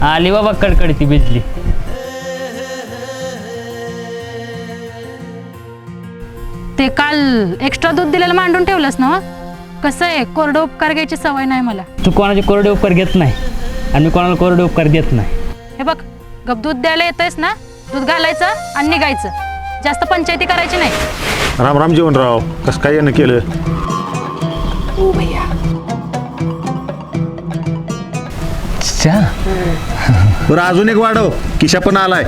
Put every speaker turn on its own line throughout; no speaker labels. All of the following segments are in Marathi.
आली बाबा कडकडती बिजली.
ते काल एक्स्ट्रा दूध दिलेलं मांडून ठेवलंस ना? कसं आहे, कोरडं उपकार घ्यायची सवय नाही मला.
तू कोणाचे कोरडे उपकार घेत नाही आणि मी कोणाला कोरडे उपकार देत नाही.
हे बघ, गप दूध द्यायला येतंयस ना, दूध घालायचं आणि निघायचं. जास्त पंचायती करायची नाही.
राम राम जीवनराव, कसं काय यानं केलं?
ओ भैया,
बरं अजून एक वाढव, किशा पण आलाय.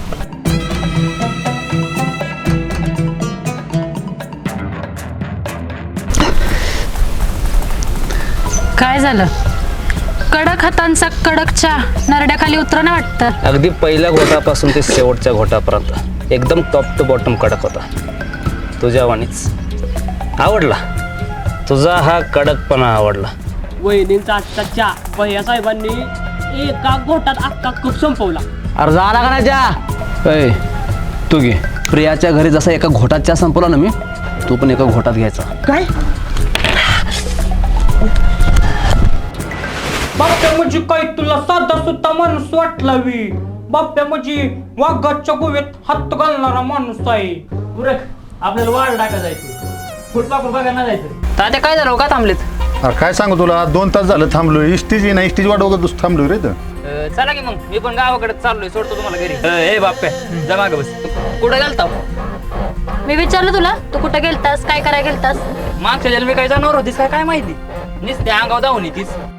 काय झालं? कडक हातांचा कडक चहा नरड्याखाली उतरणं वाटतं.
अगदी पहिल्या घोटापासून ते शेवटच्या घोटापर्यंत एकदम टॉप टू बॉटम कडक होता. तुझ्या वाणीच आवडला. तुझा हा कडकपणा आवडला.
वहिनींचा आजचा चहा भैया साहेबांनी एका घोटात अख्खा कप संपवला.
अरे झाला का नाही चहा? तू घे. प्रियाच्या घरी जसा एका घोटात चहा संपवला ना मी, तू पण एका घोटात घ्यायचा.
काय बाप्या म्हणजे काय तुला साधा सुद्धा माणूस वाटला वी? बाप्या म्हणजे वाघाच्या गोव्यात हात घालणारा माणूस आहे. आपल्याला वाढ टाका जायचं, फुटपाक बघायला जायचं.
तात्या काय झालं का थांबलेत?
अरे काय सांगू तुला, 2 तास झालं थांबलोय. इस्टीज ना इस्टीज वाढवत थांबलोय रे.
चला की मग मी पण गावाकडे चाललोय, सोडतो तुम्हाला घरी. ए बाप्या जा मागं बस. कुठं गेलता?
मी विचारलं तुला, तू कुठं गेलतास, काय करायला गेलतास?
मागच्या जन्मी काय जाणार होतीस काय माहिती? नुसते अंगाव धावून येतीस.